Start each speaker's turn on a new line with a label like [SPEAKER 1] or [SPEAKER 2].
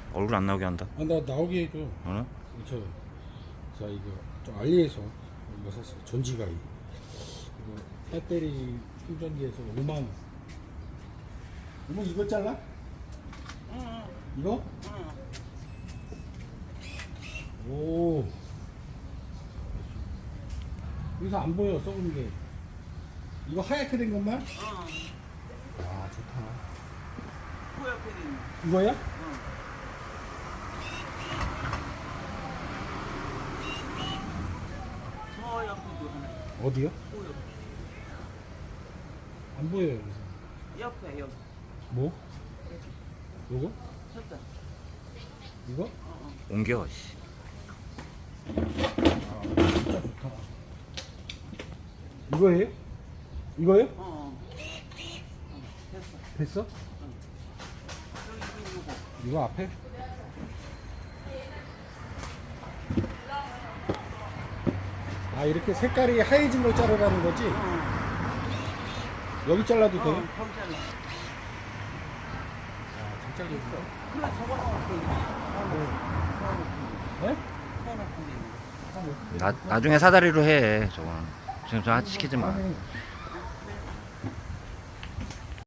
[SPEAKER 1] 얼굴 안 나오게 한다.
[SPEAKER 2] 아, 나 나오게 해줘.
[SPEAKER 1] 어?
[SPEAKER 2] 자 이거 저 알리에서 이거 샀어요. 전지가이. 이거 배터리 충전기에서 5만 원. 이거 잘라?
[SPEAKER 3] 응.
[SPEAKER 2] 이거?
[SPEAKER 3] 응.
[SPEAKER 2] 오. 여기서 안 보여 썩은 게. 이거 하얗게 된 것만?
[SPEAKER 3] 응.
[SPEAKER 2] 아 좋다.
[SPEAKER 3] 뿌옇게 된 거.
[SPEAKER 2] 이거야?
[SPEAKER 3] 응. 저 옆에도 하나.
[SPEAKER 2] 어디요?
[SPEAKER 3] 뿌옇게.
[SPEAKER 2] 안 보여요 여기서.
[SPEAKER 3] 옆에 여기.
[SPEAKER 2] 뭐? 요거?
[SPEAKER 3] 쳤다.
[SPEAKER 2] 이거?
[SPEAKER 1] 옮겨. 씨.
[SPEAKER 2] 아 진짜 좋다. 이거예요? 이거요?
[SPEAKER 3] 됐어.
[SPEAKER 2] 됐어?
[SPEAKER 3] 여기 이거.
[SPEAKER 2] 이거 앞에? 아 이렇게 색깔이 하얘진 걸 자르라는 거지? 여기 잘라도 돼?
[SPEAKER 3] 거기 잘라.
[SPEAKER 2] 아 진짜 좋다.
[SPEAKER 3] 그래 저거 넣을게.
[SPEAKER 2] 네?
[SPEAKER 3] 서너 푼
[SPEAKER 1] 나중에 사다리로 해. 저거는. 지금 저 시키지 마.
[SPEAKER 2] 아니,